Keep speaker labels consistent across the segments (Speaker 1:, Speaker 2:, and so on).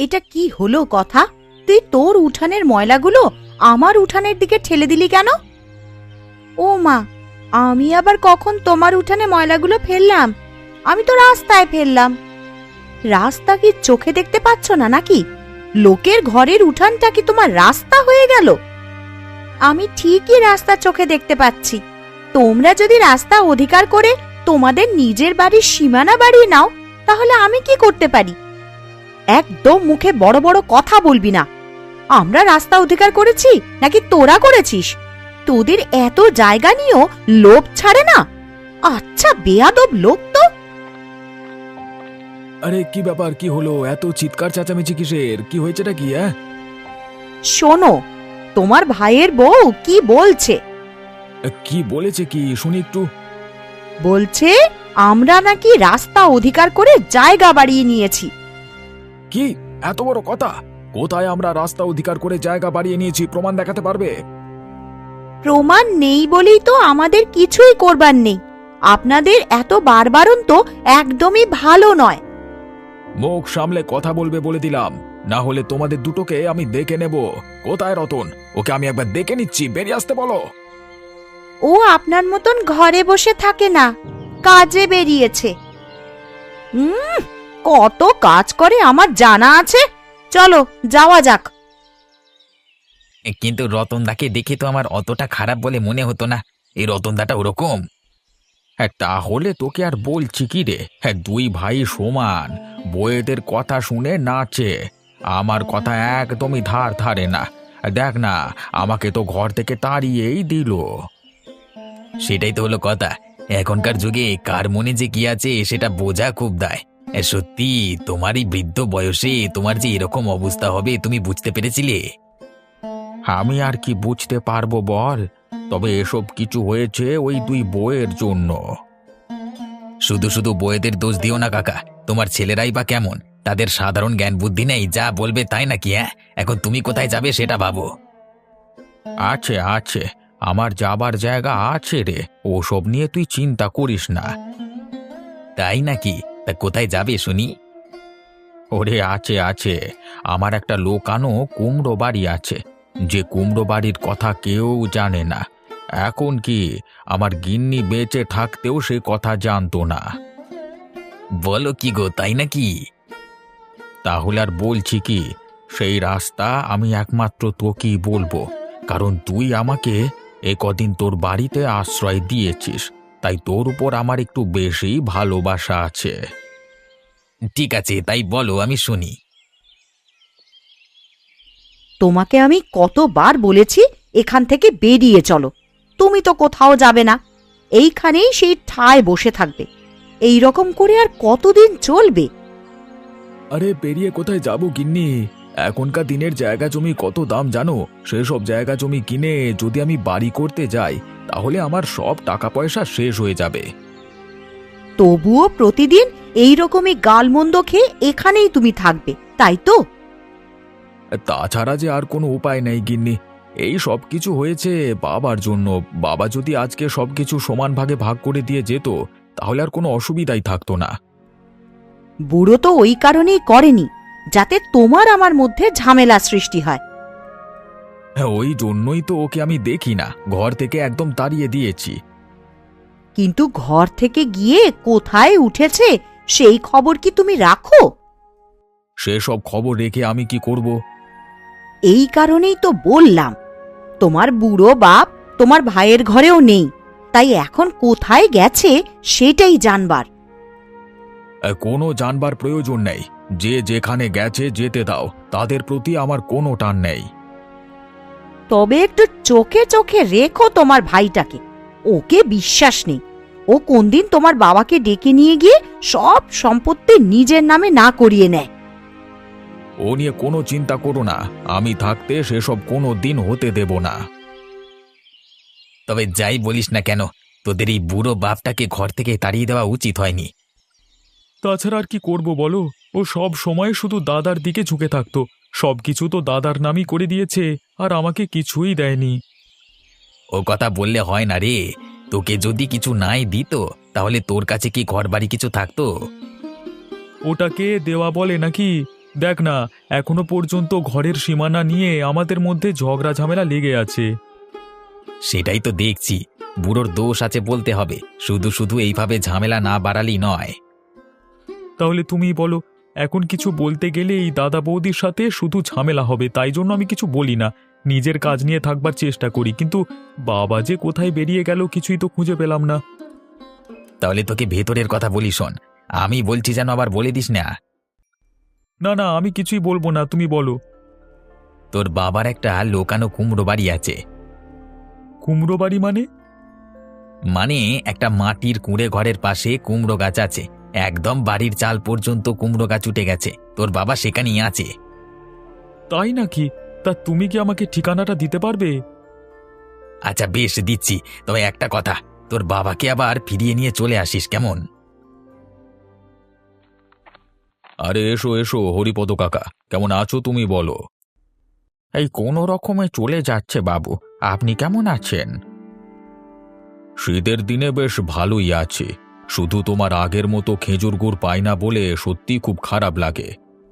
Speaker 1: এটা কি হলো কথা? তুই তোর উঠানের ময়লাগুলো আমার উঠানের দিকে ঠেলে দিলি কেন? ও মা, আমি আবার কখন তোমার উঠানে ময়লাগুলো ফেললাম? আমি তো রাস্তায় ফেললাম। রাস্তা কি চোখে দেখতে পাচ্ছ না নাকি? লোকের ঘরের উঠানটা কি তোমার রাস্তা হয়ে গেল? আমি ঠিকই রাস্তা চোখে দেখতে পাচ্ছি। তোমরা যদি রাস্তা অধিকার করে তোমাদের নিজের বাড়ির সীমানা বাড়িয়ে নাও, তাহলে আমি কি করতে পারি? একদম মুখে বড় বড় কথা বলবি না। আমরা রাস্তা অধিকার করেছি নাকি তোরা করেছিস? তোদের এত জায়গা নিয়েও লোভ ছাড়ে না। আচ্ছা বেয়াদব লোক তো।
Speaker 2: আরে কি ব্যাপার, কি হলো? এত চিৎকার চেঁচামেচি কিসের? কি হয়েছেটা কি?
Speaker 1: শোনো, তোমার ভাইয়ের বউ কি বলছে।
Speaker 2: কি বলেছে, কি শুনি একটু।
Speaker 1: বলছে আমরা নাকি রাস্তা অধিকার করে জায়গা বাড়িয়ে নিয়েছি।
Speaker 2: কি এত বড় কথা? কোথায় আমরা রাস্তা অধিকার করে জায়গা বাড়িয়ে নিয়েছি? প্রমাণ দেখাতে পারবে?
Speaker 1: প্রমাণ নেই বলেই তো আমাদের কিছুই করবার নেই। আপনাদের এত বারবারন তো একদমই ভালো নয়।
Speaker 2: মুখ সামলে কথা বলবে বলে দিলাম, না হলে তোমাদের দুটোকে আমি দেখে নেব। কোথায় রতন? ওকে আমি একবার দেখে নিচ্ছি, বেরিয়ে আসতে বলো।
Speaker 1: ও আপনার মতন ঘরে বসে থাকে না, কাজে বেরিয়েছে। কত কাজ করে আমার জানা আছে। চলো যাওয়া যাক।
Speaker 3: কিন্তু রতনদাকে দেখে তো আমার অতটা খারাপ বলে মনে হতো না। এই রতনদাটা ওরকম।
Speaker 2: তাহলে তোকে আর বলছি কি রে, দুই ভাই সমান। বউয়েদের কথা শুনে নাচে, আমার কথা একদমই ধার ধারে না। দেখ না, আমাকে তো ঘর থেকে তাড়িয়েই দিল।
Speaker 3: সেটাই তো হলো কথা। এখনকার যুগে কার মনে যে কি আছে সেটা বোঝা খুব দায়। সত্যি তোমার এই বৃদ্ধ বয়সে তোমার যে এরকম অবস্থা হবে তুমি বুঝতে পেরেছিলে?
Speaker 2: আমি আর কি বুঝতে পারবো বল? তবে এসব কিছু হয়েছে ওই দুই বউয়ের জন্য।
Speaker 3: শুধু শুধু বউয়েদের দোষ দিও না কাকা। তোমার ছেলেরাই বা কেমন? তাদের সাধারণ জ্ঞান বুদ্ধি নেই, যা বলবে তাই নাকি? এখন তুমি কোথায় যাবে সেটা ভাবো।
Speaker 2: আছে আছে, আমার যাবার জায়গা আছে রে, ওসব নিয়ে তুই চিন্তা করিস না।
Speaker 3: তাই নাকি? তা কোথায় যাবে শুনি?
Speaker 2: ওরে আছে আছে, আমার একটা লোকানো কুমড়ো বাড়ি আছে, যে কুমড়ো বাড়ির কথা কেউ জানে না। এখন কি আমার গিন্নি বেঁচে থাকতেও সে কথা জানতো না।
Speaker 3: বলো কি গো, তাই নাকি?
Speaker 2: তাহলে আর বলছি কি, সেই রাস্তা আমি একমাত্র তোকেই বলবো, কারণ তুই আমাকে কদিন তোর বাড়িতে আশ্রয় দিয়েছিস, তাই তোর উপর আমার একটু বেশি ভালোবাসা আছে।
Speaker 3: ঠিক আছে, তাই বলো, আমি শুনি।
Speaker 1: তোমাকে আমি কতবার বলেছি এখান থেকে বেরিয়ে চলো, তুমি তো কোথাও যাবে না। এইখানেই সেই ঠায় বসে থাকবে। এই রকম করে আর কতদিন চলবে?
Speaker 2: আরে বেরিয়ে কোথায় যাব গিন্নি? এখনকার দিনের জায়গা জমি কত দাম জানো? সেসব জায়গা জমি কিনে যদি আমি বাড়ি করতে যাই, তাহলে আমার সব টাকা পয়সা শেষ হয়ে যাবে।
Speaker 1: তবুও প্রতিদিন এই রকমই গালমন্দ খেয়ে এখানেই তুমি থাকবে, তাই তো?
Speaker 2: তাছাড়া যে আর কোনো উপায় নেই গিন্নি। এই সব কিছু হয়েছে বাবার জন্য। বাবা যদি আজকে সবকিছু সমান ভাগে ভাগ করে দিয়ে যেত, তাহলে আর কোনো অসুবিধাই থাকতো না।
Speaker 1: বুড়ো তো ওই কারণেই করেনি, যাতে তোমার আমার মধ্যে ঝামেলা সৃষ্টি হয়।
Speaker 2: ওই জন্যই তো ওকে আমি দেখি না, ঘর থেকে একদম তাড়িয়ে দিয়েছি।
Speaker 1: কিন্তু ঘর থেকে গিয়ে কোথায় উঠেছে সেই খবর কি তুমি রাখো?
Speaker 2: সেসব খবর রেখে আমি কি করব?
Speaker 1: এই কারণেই তো বললাম, তোমার বুড়ো বাপ তোমার ভাইয়ের ঘরেও নেই, তাই এখন কোথায় গেছে সেটাই জানবার।
Speaker 2: কোনো জানবার প্রয়োজন নেই, যে যেখানে গেছে যেতে দাও, তাদের প্রতি আমার কোনো টান নেই।
Speaker 1: তবে একটু চোখে চোখে রেখো তোমার ভাইটাকে, ওকে বিশ্বাস নেই। ও কোনদিন তোমার বাবাকে ডেকে নিয়ে গিয়ে সব সম্পত্তি নিজের নামে না করিয়ে নেয়।
Speaker 2: ও নিয়ে কোনো চিন্তা করো না, আমি থাকতে সেসব কোনো দিন হতে দেব না।
Speaker 3: তবে যাই বলিস না কেন, তোদের এই বুড়ো বাপটাকে ঘর থেকে তাড়িয়ে দেওয়া উচিত হয়নি।
Speaker 2: তাছাড়া আর কি করব বলো? ও সব সময় শুধু দাদার দিকে ঝুঁকে থাকতো। সবকিছু তো দাদার নামই করে দিয়েছে, আর আমাকে কিছুই দেয়নি।
Speaker 3: ও কথা বললে হয় না রে। তোকে যদি কিছু নাই দিত, তাহলে তোর কাছে কি ঘর বাড়ি কিছু থাকতো?
Speaker 2: ওটাকে দেওয়া বলে নাকি?
Speaker 4: দেখ না, এখনো পর্যন্ত ঘরের সীমানা নিয়ে আমাদের মধ্যে ঝগড়া ঝামেলা লেগে আছে।
Speaker 3: সেটাই তো দেখছি, বুড়োর দোষ আছে বলতে হবে, শুধু শুধু এইভাবে ঝামেলা না বাড়ালি নয়।
Speaker 4: তাহলে তুমি বলো, এখন কিছু বলতে গেলে এই দাদা বৌদির সাথে শুধু ঝামেলা হবে, তাই জন্য আমি কিছু বলি না, নিজের কাজ নিয়ে থাকবার চেষ্টা করি। কিন্তু বাবা যে কোথায় বেরিয়ে গেল কিছুই তো খুঁজে পেলাম না।
Speaker 3: তাহলে তোকে ভেতরের কথা বলি শোন, আমি বলছি যেন আবার বলে দিস না।
Speaker 4: না না, আমি কিছুই বলবো না, তুমি বলো।
Speaker 3: তোর বাবার একটা লোকানো কুমড়ো বাড়ি আছে।
Speaker 4: কুমড়ো বাড়ি মানে?
Speaker 3: মানে একটা মাটির কুঁড়ে ঘরের পাশে কুমড়ো গাছ আছে, একদম বাড়ির চাল পর্যন্ত কুমড়ো গাছ উঠে গেছে, তোর বাবা সেখানেই আছে।
Speaker 4: তাই নাকি? তা তুমি কি আমাকে ঠিকানাটা দিতে পারবে?
Speaker 3: আচ্ছা বেশ দিচ্ছি, তবে একটা কথা, তোর বাবাকে আবার ফিরিয়ে নিয়ে চলে আসিস কেমন?
Speaker 2: আরে এসো এসো হরিপদ কাকা, কেমন আছো তুমি বলো? এই কোনো রকমে চলে যাচ্ছে বাবু, আপনি কেমন আছেন? শীতের দিনে বেশ ভালোই আছে, শুধু তোমার আগের মতো খেজুর গুড় পাই না বলে সত্যি খুব খারাপ লাগে।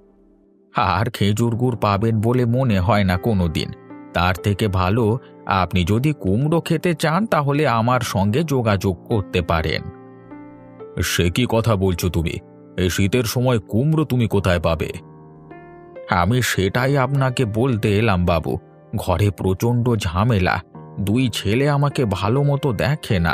Speaker 2: আর খেজুর গুড় পাবেন বলে মনে হয় না কোনো দিন। তার থেকে ভালো আপনি যদি কুমড়ো খেতে চান তাহলে আমার সঙ্গে যোগাযোগ করতে পারেন। সে কি কথা বলছো তুমি? এই শীতের সময় কুমড়ো তুমি কোথায় পাবে? আমি সেটাই আপনাকে বলতে এলাম বাবু, ঘরে প্রচণ্ড ঝামেলা, দুই ছেলে আমাকে ভালো মতো দেখে না।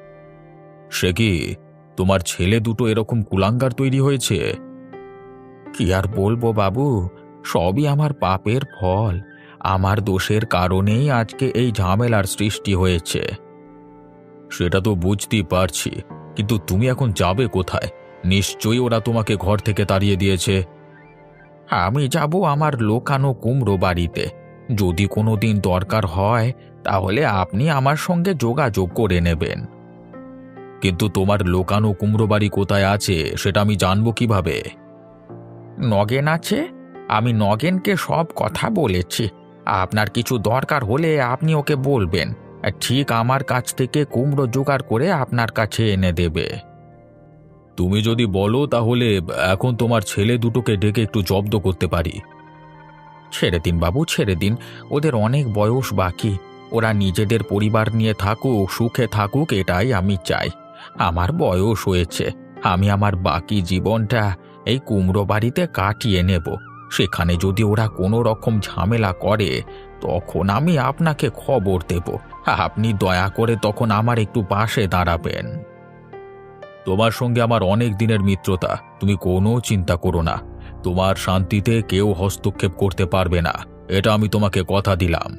Speaker 2: সে কি, তোমার ছেলে দুটো এরকম কুলাঙ্গার তৈরি হয়েছে? কি আর বলবো বাবু, সবই আমার পাপের ফল, আমার দোষের কারণেই আজকে এই ঝামেলার সৃষ্টি হয়েছে। সেটা তো বুঝতেই পারছি, কিন্তু তুমি এখন যাবে কোথায়? নিশ্চয়ই ওরা তোমাকে ঘর থেকে তাড়িয়ে দিয়েছে। আমি যাব আমার লোকানো কুমড়ো বাড়িতে, যদি কোনো দিন দরকার হয় তাহলে আপনি আমার সঙ্গে যোগাযোগ করে নেবেন। কিন্তু তোমার লোকানো কুমড়ো বাড়ি কোথায় আছে সেটা আমি জানবো কিভাবে? নগেন আছে, আমি নগেনকে সব কথা বলেছি, আপনার কিছু দরকার হলে আপনি ওকে বলবেন, ঠিক আমার কাছ থেকে কুমড়ো জোগাড় করে আপনার কাছে এনে দেবে। তুমি যদি বলো তাহলে এখন তোমার ছেলে দুটোকে ডেকে একটু জব্দ করতে পারি। ছেড়ে দিন বাবু, ছেড়ে দিন, ওদের অনেক বয়স বাকি, ওরা নিজেদের পরিবার নিয়ে থাকুক, সুখে থাকুক, এটাই আমি চাই। আমার বয়স হয়েছে, আমি আমার বাকি জীবনটা এই কুমড়ো বাড়িতে কাটিয়ে নেব। সেখানে যদি ওরা কোনো রকম ঝামেলা করে তখন আমি আপনাকে খবর দেব, আপনি দয়া করে তখন আমার একটু পাশে দাঁড়াবেন। তোমার সঙ্গে আমার অনেক দিনের মিত্রতা, তুমি কোনো চিন্তা করো না, তোমার শান্তিতে কেউ হস্তক্ষেপ করতে পারবে না, এটা আমি তোমাকে কথা দিলাম।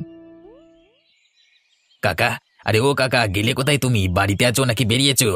Speaker 3: কাকা, আরে ও কাকা, গেলে কোথায় তুমি? বাড়িতে আছো নাকি বেরিয়েছো?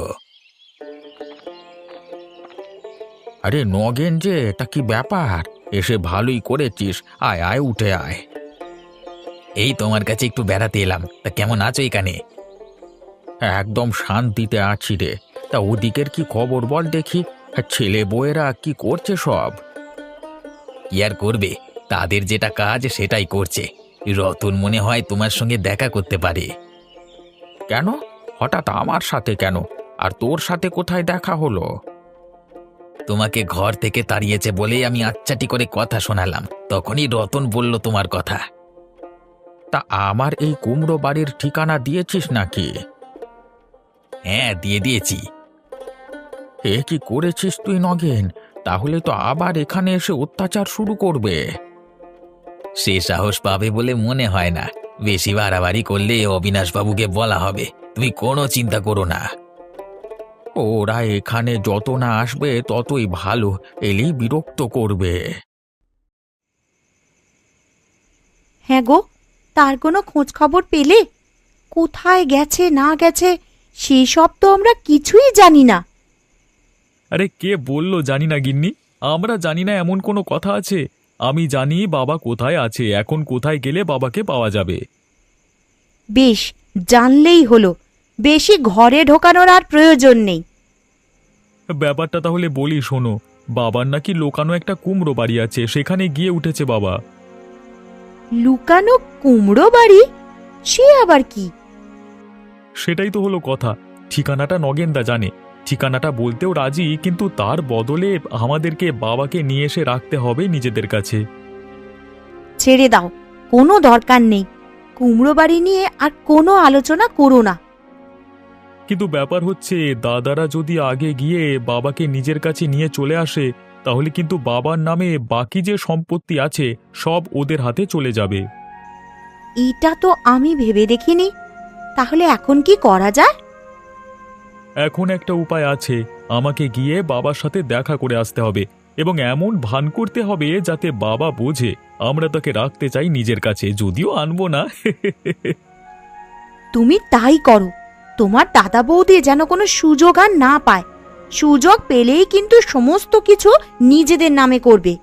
Speaker 2: আরে নগেন যে, এটা কি ব্যাপার? এসে ভালোই করেছিস, আয় আয় উঠে আয়।
Speaker 3: এই তোমার কাছে একটু বেড়াতে এলাম, তা কেমন আছো এখানে?
Speaker 2: একদম শান্তিতে আছি রে। তা ওদিকের কি খবর বল দেখি, ছেলে বউয়েরা কি করছে সব?
Speaker 3: কি আর করবে, তাদের যেটা কাজ সেটাই করছে। রতন মনে হয় তোমার সঙ্গে দেখা করতে পারে।
Speaker 2: কেন, হঠাৎ আমার সাথে কেন? আর তোর সাথে কোথায় দেখা হলো?
Speaker 3: তোমাকে ঘর থেকে তাড়িয়েছে বলেই আমি আচ্ছাটি করে কথা শোনালাম, তখনই রতন বলল তোমার কথা।
Speaker 2: তা আমার এই কুমড়ো বাড়ির ঠিকানা দিয়েছিস নাকি?
Speaker 3: হ্যাঁ, দিয়ে দিয়েছি।
Speaker 2: এ কি করেছিস তুই নগেন? তাহলে তো আবার এখানে এসে অত্যাচার শুরু করবে।
Speaker 3: সে সাহস পাবে বলে মনে হয় না, বেশি বাড়াবাড়ি করলে অবিনাশবাবুকে বলা হবে, তুমি কোনো চিন্তা করো না।
Speaker 2: ওরা এখানে যত না আসবে ততই ভালো, এলেই বিরক্ত করবে।
Speaker 1: হ্যাঁ গো, তার কোনো খোঁজ খবর পেলে? কোথায় গেছে না গেছে সেই সব তো আমরা কিছুই জানি না।
Speaker 4: আরে কে বললো জানি না গিন্নি? আমরা জানি না এমন কোনো কথা আছে? আমি জানি বাবা কোথায় আছে, এখন কোথায় গেলে বাবাকে পাওয়া যাবে।
Speaker 1: বেশ, জানলেই হলো, বেশি ঘরে ঢোকানোর আর প্রয়োজন নেই।
Speaker 4: ব্যাপারটা তাহলে বলি শোনো, বাবার নাকি লোকানো একটা কুমড়ো বাড়ি আছে, সেখানে গিয়ে উঠেছে বাবা।
Speaker 1: লুকানো কুমড়ো বাড়ি? সে আবার কি?
Speaker 4: সেটাই তো হলো কথা, ঠিকানাটা নগেনদা জানে, ঠিকানাটা বলতেও রাজি, কিন্তু তার বদলে আমাদেরকে বাবাকে নিয়ে এসে রাখতে হবে নিজেদের কাছে।
Speaker 1: ছেড়ে দাও, কোনো দরকার নেই। কুমড়ো বাড়ি নিয়ে আর কোনো আলোচনা করো না।
Speaker 4: কিন্তু ব্যাপার হচ্ছে, দাদারা যদি আগে গিয়ে বাবাকে নিজের কাছে নিয়ে চলে আসে, তাহলে কিন্তু বাবার নামে বাকি যে সম্পত্তি আছে সব ওদের হাতে চলে যাবে।
Speaker 1: এটা তো আমি ভেবে দেখিনি। তাহলে এখন কি করা যায়?
Speaker 4: এখন একটা উপায় আছে, আমাকে গিয়ে বাবার সাথে দেখা করে আসতে হবে এবং এমন ভান করতে হবে যাতে বাবা বোঝে আমরা তাকে রাখতে চাই নিজের কাছে, যদিও আনবো না।
Speaker 1: তুমি তাই করো। তোমার দাদা বৌদি যেন কোনো সুযোগ আর না পায়। সুযোগ পেলেই কিন্তু সমস্ত কিছু নিজেদের নামে করবে।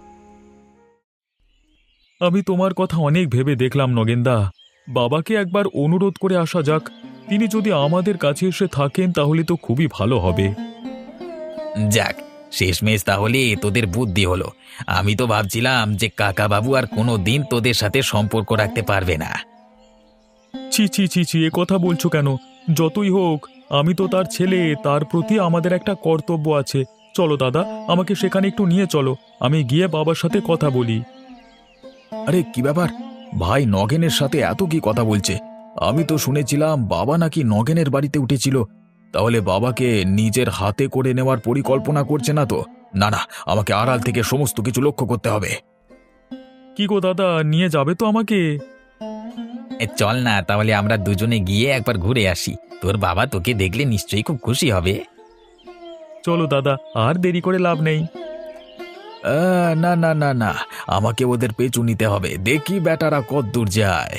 Speaker 4: আমি তোমার কথা অনেক ভেবে দেখলাম নগেনদা। বাবাকে একবার অনুরোধ করে আসা যাক। তিনি যদি আমাদের কাছে এসে থাকেন তাহলে তো খুবই ভালো হবে।
Speaker 3: যাক, শেষমেশ তাহলে তোদের বুদ্ধি হলো। আমি তো ভাবছিলাম যে কাকা বাবু আর কোনো দিন তোদের সাথে সম্পর্ক রাখতে পারবে না।
Speaker 4: ছি ছি ছি ছি, এ কথা বলছো কেন? যতই হোক আমি তো তার ছেলে, তার প্রতি আমাদের একটা কর্তব্য আছে। চলো দাদা, আমাকে সেখানে একটু নিয়ে চলো, আমি গিয়ে বাবার সাথে কথা বলি।
Speaker 2: আরে কি ব্যাপার, ভাই নগেনের সাথে এত কি কথা বলছে? আমি তো শুনেছিলাম বাবা নাকি নগেনের বাড়িতে উঠেছিল। তাহলে বাবাকে নিজের হাতে করে নেওয়ার পরিকল্পনা করছে না তো? না না, আমাকে আড়াল থেকে সমস্ত কিছু লক্ষ্য করতে হবে।
Speaker 4: কি গো দাদা, নিয়ে যাবে তো আমাকে?
Speaker 3: চল না, তাহলে আমরা দুজনে গিয়ে একবার ঘুরে আসি। তোর বাবা তোকে দেখলে নিশ্চয়ই খুব খুশি হবে।
Speaker 4: চলো দাদা, আর দেরি করে লাভ নেই।
Speaker 2: না না না না, আমাকে ওদের পেছু নিতে হবে, দেখি বেটারা কত দূর যায়।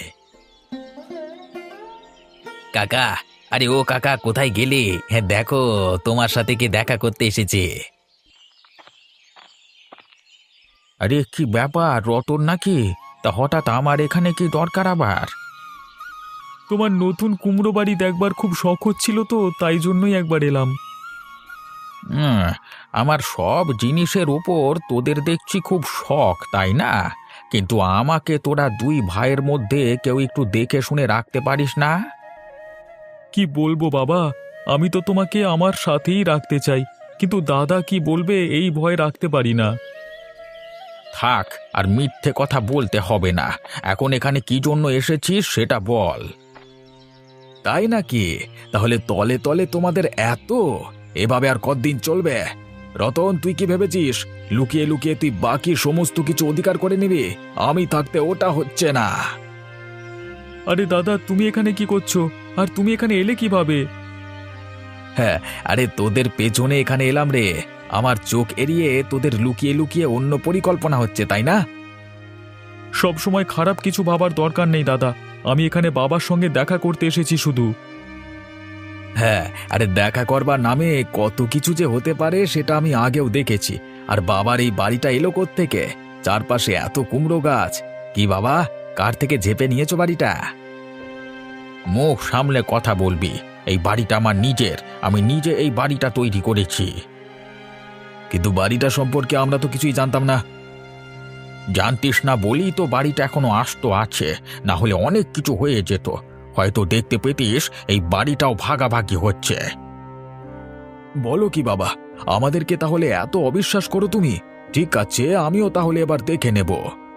Speaker 3: কাকা, আরে ও কাকা, কোথায় গেলে? হ্যাঁ দেখো, তোমার সাথে কে দেখা করতে এসেছে।
Speaker 2: আরে কি ব্যাপার, রতন নাকি? তা হঠাৎ আমার এখানে কি দরকার আবার?
Speaker 4: তোমার নতুন কুমড়ো বাড়ি দেখবার খুব শখ হচ্ছিল, তো তাই জন্যই একবার এলাম।
Speaker 2: আমার সব জিনিসের উপর তোদের দেখছি খুব শখ, তাই না? কিন্তু আমাকে তোরা দুই ভাইয়ের মধ্যে কেউ একটু দেখে শুনে রাখতে পারিস না?
Speaker 4: কি বলবো বাবা, আমি তো তোমাকে আমার সাথেই রাখতে চাই, কিন্তু দাদা কি বলবে এই ভয় রাখতে পারি না।
Speaker 2: থাক, আর মিথ্যে কথা বলতে হবে না। এখন এখানে কি জন্য এসেছিস সেটা বল। তাই নাকি? তাহলে তলে তলে তোমাদের এত? এভাবে আর কতদিন চলবে? রতন, তুই কি ভেবেছিস লুকিয়ে লুকিয়ে তুই বাকি সমস্ত কিছু অধিকার করে নিবি? আমি থাকতে ওটা হচ্ছে না।
Speaker 4: আরে দাদা, তুমি এখানে কি করছো? আর তুমি এখানে এলে কিভাবে?
Speaker 2: হ্যাঁ, আরে তোদের পেছনে এখানে এলাম রে। আমার চোখ এড়িয়ে তোদের লুকিয়ে লুকিয়ে অন্য পরিকল্পনা হচ্ছে, তাই না?
Speaker 4: সব সময় খারাপ কিছু ভাবার দরকার নেই দাদা, আমি এখানে বাবার সঙ্গে দেখা করতে এসেছি শুধু।
Speaker 2: হ্যাঁ, আরে দেখা করবার নামে কত কিছু যে হতে পারে সেটা আমি আগেও দেখেছি। আর বাবার এই বাড়িটা এলো কোত্থেকে? চারপাশে এত কুমড়ো গাছ। কি বাবা, কার থেকে ঝেপে নিয়েছো বাড়িটা? মুখ সামলে কথা বলবি। এই বাড়িটা আমার নিজের, আমি নিজে এই বাড়িটা তৈরি করেছি। কিন্তু বাড়িটা সম্পর্কে আমরা তো কিছুই জানতাম না। জানতিস না বলি তো বাড়িটা এখনো আস্ত আছে, না হলে অনেক কিছু হয়ে যেত। হয়তো দেখতে পেতিস এই বাড়িটাও ভাগাভাগি হচ্ছে। বলো কি বাবা, আমাদেরকে তাহলে এত অবিশ্বাস করো তুমি? ঠিক আছে, আমিও তাহলে এবার দেখে নেব।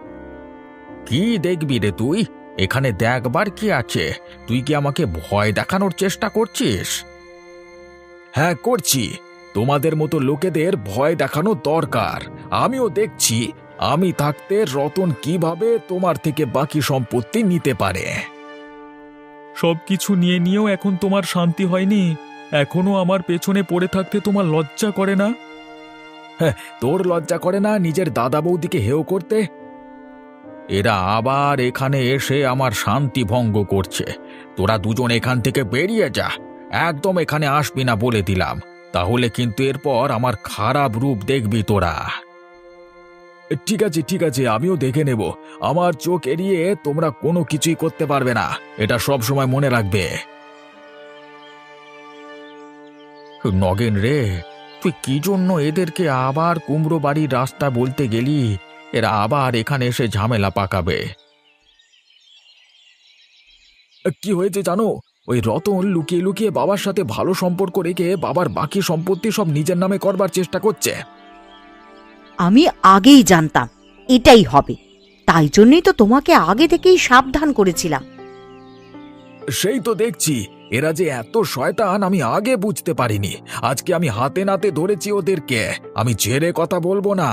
Speaker 2: কি দেখবি রে তুই? এখানে দেখবার কি আছে? তুই কি আমাকে ভয় দেখানোর চেষ্টা করছিস? হ্যাঁ করছি। তোমাদের মতো লোকেদের ভয় দেখানো দরকার। আমিও দেখছি আমি থাকতে রতন কিভাবে তোমার থেকে বাকি সম্পত্তি নিতে পারে।
Speaker 4: সব কিছু নিয়ে নিয়েও এখন তোমার শান্তি হয়নি? এখনো আমার পেছনে পড়ে থাকতে তোমার লজ্জা করে না?
Speaker 2: হ্যাঁ, তোর লজ্জা করে না নিজের দাদা বৌদিকে হেয় করতে? এরা আবার এখানে এসে আমার শান্তি ভঙ্গ করছে। তোরা দুজন এখান থেকে বেরিয়ে যা, একদম এখানে আসবি না বলে দিলাম। তাহলে কিন্তু এরপর আমার খারাপ রূপ দেখবি তোরা। ঠিক আছে ঠিক আছে, আমিও দেখে নেব। আমার চোখ এড়িয়ে তোমরা কোনো কিছুই করতে পারবে না, এটা সব সময় মনে রাখবে। নগেন রে, তুই কি জন্য এদেরকে আবার কুমড়ো বাড়ির রাস্তা বলতে গেলি? এরা আবার এখানে এসে ঝামেলা পাকাবে। কি হয়েছে জানো? ওই রতন লুকিয়ে লুকিয়ে বাবার সাথে ভালো সম্পর্ক রেখে বাবার বাকি সম্পত্তি সব নিজের নামে করবার চেষ্টা করছে।
Speaker 1: আমি আগেই জানতাম এটাই হবে, তাই জন্যই তো তোমাকে আগে থেকেই সাবধান করেছিলাম।
Speaker 2: সেই তো দেখছি, এরা যে এত শয়তান আমি আগে বুঝতে পারিনি। আজকে আমি হাতে নাতে ধরেছি ওদেরকে, আমি ছেড়ে কথা বলবো না।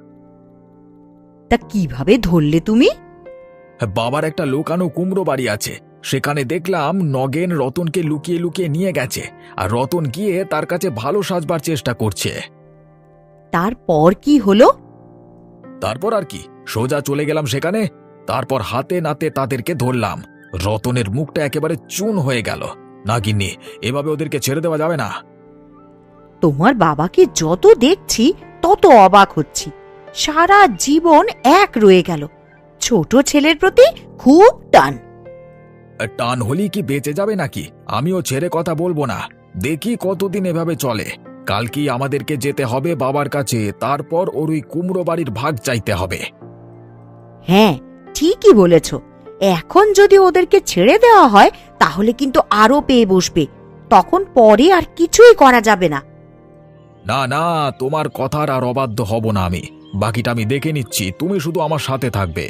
Speaker 1: তা কিভাবে ধরলে তুমি?
Speaker 2: বাবার একটা লুকানো কুমড়ো বাড়ি আছে, সেখানে দেখলাম নগেন রতনকে লুকিয়ে লুকিয়ে নিয়ে গেছে, আর রতন গিয়ে তার কাছে ভালো সাজবার চেষ্টা করছে।
Speaker 1: তারপর কি হলো?
Speaker 2: তারপর আর কি, সোজা চলে গেলাম সেখানে। তারপর হাতে নাতে তাদেরকে ধরলাম। রতনের মুখটা একেবারে চুন হয়ে গেল। না গিন্নি, এভাবে ওদেরকে ছেড়ে দেওয়া যাবে না।
Speaker 1: তোমার বাবাকে যত দেখছি তত অবাক হচ্ছি। সারা জীবন এক রয়ে গেল, ছোট ছেলের প্রতি খুব টান।
Speaker 2: টান হলেই কি বেঁচে যাবে নাকি? আমিও ছেড়ে কথা বলবো না, দেখি কতদিন এভাবে চলে। কালকেই আমাদেরকে যেতে হবে বাবার কাছে, তারপর ওর ওই কুমড়ো বাড়ির ভাগ চাইতে হবে।
Speaker 1: হ্যাঁ, ঠিকই বলেছ। এখন যদি ওদেরকে ছেড়ে দেওয়া হয় তাহলে কিন্তু আরো পেয়ে বসবে, তখন পরে আর কিছুই করা যাবে না।
Speaker 2: না না, তোমার কথার আর অবাধ্য হব না আমি। বাকিটা আমি দেখে নিচ্ছি, তুমি শুধু আমার সাথে থাকবে।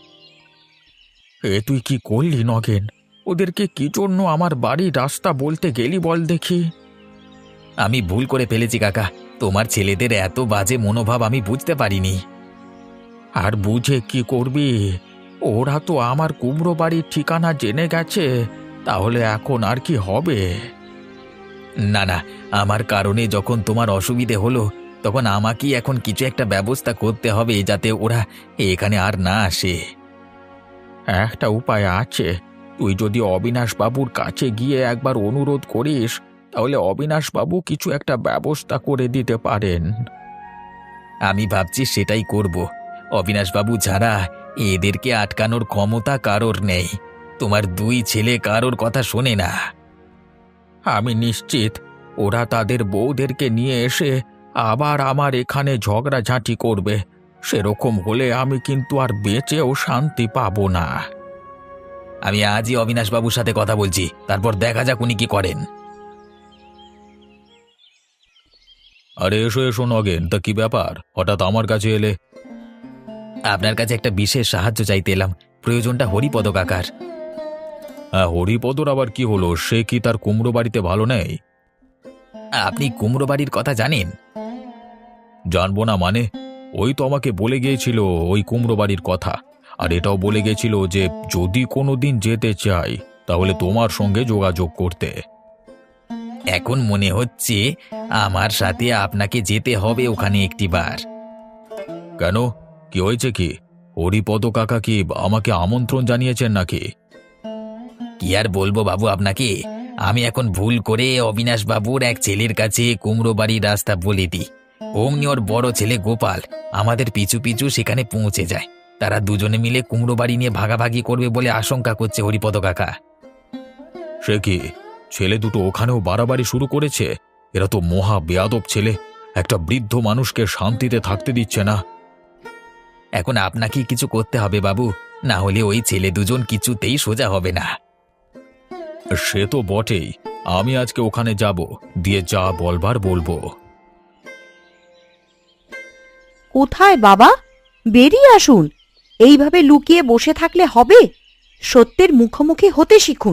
Speaker 2: তুই কি করলি নগেন? ওদেরকে কি জন্য আমার বাড়ির রাস্তা বলতে গেলি বল দেখি।
Speaker 3: আমি ভুল করে ফেলেছি কাকা, তোমার ছেলেদের এত বাজে মনোভাব আমি বুঝতে পারিনি।
Speaker 2: আর বুঝে কি করবি? ওরা তো আমার কুমড়ো বাড়ির ঠিকানা জেনে গেছে, তাহলে এখন আর কি হবে?
Speaker 3: না না, আমার কারণে যখন তোমার অসুবিধে হলো তখন আমাকেই এখন কিছু একটা ব্যবস্থা করতে হবে যাতে ওরা এখানে আর না আসে।
Speaker 2: একটা উপায় আছে, তুই যদি অবিনাশ বাবুর কাছে গিয়ে একবার অনুরোধ করিস, তাহলে অবিনাশ বাবু কিছু একটা ব্যবস্থা করে দিতে পারেন।
Speaker 3: আমি ভাবছি সেটাই করব। অবিনাশবাবু ছাড়া এদেরকে আটকানোর ক্ষমতা কারোর নেই। তোমার দুই ছেলে কারোর কথা শোনে না।
Speaker 2: আমি নিশ্চিত ওরা তাদের বউদেরকে নিয়ে এসে আবার আমার এখানে ঝগড়াঝাঁটি করবে। সেরকম হলে আমি কিন্তু আর বেঁচেও শান্তি পাবো না।
Speaker 3: আমি আজই অবিনাশবাবুর সাথে কথা বলছি, তারপর দেখা যাক উনি কি করেন।
Speaker 2: আরে এসো এসো নগেন, তা কি ব্যাপার, হঠাৎ আমার কাছে এলে?
Speaker 3: আপনার কাছে একটা বিশেষ সাহায্য চাইতে এলাম, প্রয়োজনটা হরিপদ কাকার।
Speaker 2: হ্যাঁ, হরিপদর আবার কি হলো? সে কি তার কুমড়ো বাড়িতে ভালো নেই?
Speaker 3: আপনি কুমড়ো বাড়ির কথা জানেন?
Speaker 2: জানবো না মানে? ওই তো আমাকে বলে গিয়েছিল ওই কুমড়ো বাড়ির কথা, আর এটাও বলে গেছিল যে যদি কোনোদিন যেতে চাই তাহলে তোমার সঙ্গে যোগাযোগ করতে।
Speaker 3: এখন মনে হচ্ছে আমার সাথে আপনাকে যেতে হবে ওখানে একটিবার।
Speaker 2: কেন, কি হয়েছে কি? হরিপদ কাকা কি আমাকে আমন্ত্রণ জানিয়েছেন নাকি?
Speaker 3: কি আর বলবো বাবু আপনাকে, আমি এখন ভুল করে অবিনাশ বাবুর এক ছেলের কাছে কুমড়ো বাড়ির রাস্তা বলে দিই। অমনি ওর বড় ছেলে গোপাল আমাদের পিছু পিছু সেখানে পৌঁছে যায়। তারা দুজনে মিলে কুমড়ো বাড়ি নিয়ে ভাগাভাগি করবে বলে আশঙ্কা করছে হরিপদ কাকা।
Speaker 2: সে কি, ছেলে দুটো ওখানেও বাড়াবাড়ি শুরু করেছে? এরা তো মহা বেয়াদব ছেলে, একটা বৃদ্ধ মানুষকে শান্তিতে থাকতে দিচ্ছে না।
Speaker 3: এখন আপনাকেই কিছু করতে হবে বাবু, না হলে ওই ছেলে দুজন কিছুতেই সোজা হবে না।
Speaker 2: সে তো বটেই, আমি আজকে ওখানে যাব, দিয়ে যা বলবার বলবো।
Speaker 1: কোথায় বাবা? বেরিয়ে আসুন। এইভাবে লুকিয়ে বসে থাকলে হবে? সত্যের মুখোমুখি হতে শিখুন।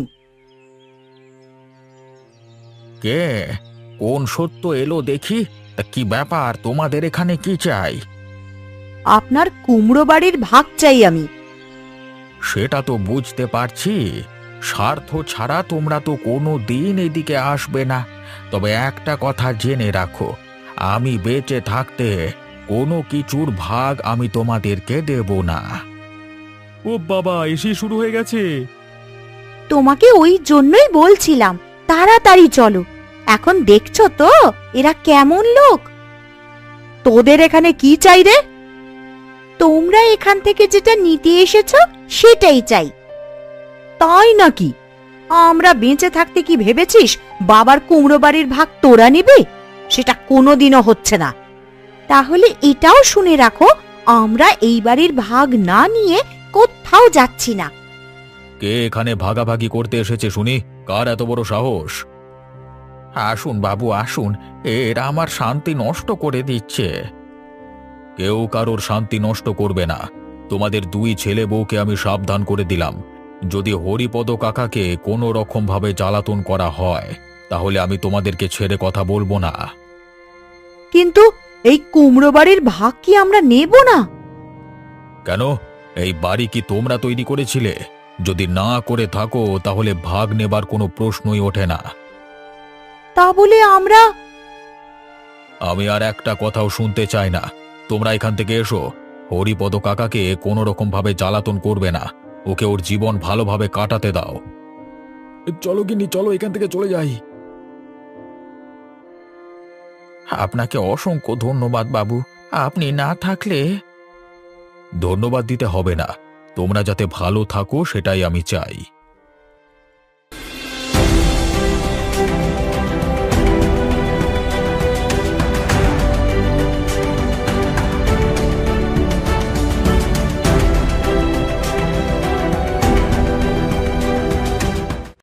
Speaker 2: কে, কোন সত্য এলো দেখি? তা কি ব্যাপার, তোমাদের এখানে কি চাই?
Speaker 1: আপনার কুমড়ো বাড়ির ভাগ চাই আমি।
Speaker 2: সেটা তো বুঝতে পারছি, স্বার্থ ছাড়া তোমরা তো কোনো দিন এদিকে আসবে না। তবে একটা কথা জেনে রাখো, আমি বেঁচে থাকতে কোনো কিছুর ভাগ আমি তোমাদেরকে দেব না।
Speaker 4: ও বাবা, এসে শুরু হয়ে গেছে।
Speaker 1: তোমাকে ওই জন্যই বলছিলাম তাড়াতাড়ি চলো। এখন দেখছো তো এরা কেমন লোক। তোদের এখানে কি চাই রে? তোমরা এখান থেকে যেটা নিতে এসেছো সেটাই চাই। তাই নাকি? আমরা বেঁচে থাকতে কি ভেবেছিস বাবার কুমড়ো বাড়ির ভাগ তোরা নিবি? সেটা কোনোদিনও হচ্ছে না। তাহলে এটাও শুনে রাখো, আমরা এই বাড়ির ভাগ না নিয়ে কোথাও যাচ্ছি না।
Speaker 2: কে এখানে ভাগাভাগি করতে এসেছে শুনি? কার এত বড় সাহস? আসুন বাবু আসুন, এরা আমার শান্তি নষ্ট করে দিচ্ছে। কেউ কারোর শান্তি নষ্ট করবে না। তোমাদের দুই ছেলে বউকে আমি সাবধান করে দিলাম, যদি হরিপদ কাকাকে কোনো রকম ভাবে জ্বালাতন করা হয় তাহলে আমি তোমাদেরকে ছেড়ে কথা বলবো না।
Speaker 1: কিন্তু এই কুমড়ো বাড়ির ভাগ কি আমরা নেব না?
Speaker 2: কেন? এই বাড়ি কি তোমরা তৈরি করেছিলে? যদি না করে থাকো তাহলে ভাগ নেবার কোনো প্রশ্নই ওঠে না।
Speaker 1: তা বলে আমরা...
Speaker 2: আমি আর একটা কথাও শুনতে চাই না। তোমরা এখান থেকে এসো। হরিপদ কাকাকে কোনো রকম ভাবে জ্বালাতন করবে না, ওকে ওর জীবন ভালোভাবে কাটাতে দাও। চলো গিন্নি, চলো এখান থেকে চলে যাই। আপনাকে অসংখ্য ধন্যবাদ বাবু, আপনি না থাকলে... ধন্যবাদ দিতে হবে না, তোমরা যাতে ভালো থাকো সেটাই আমি চাই।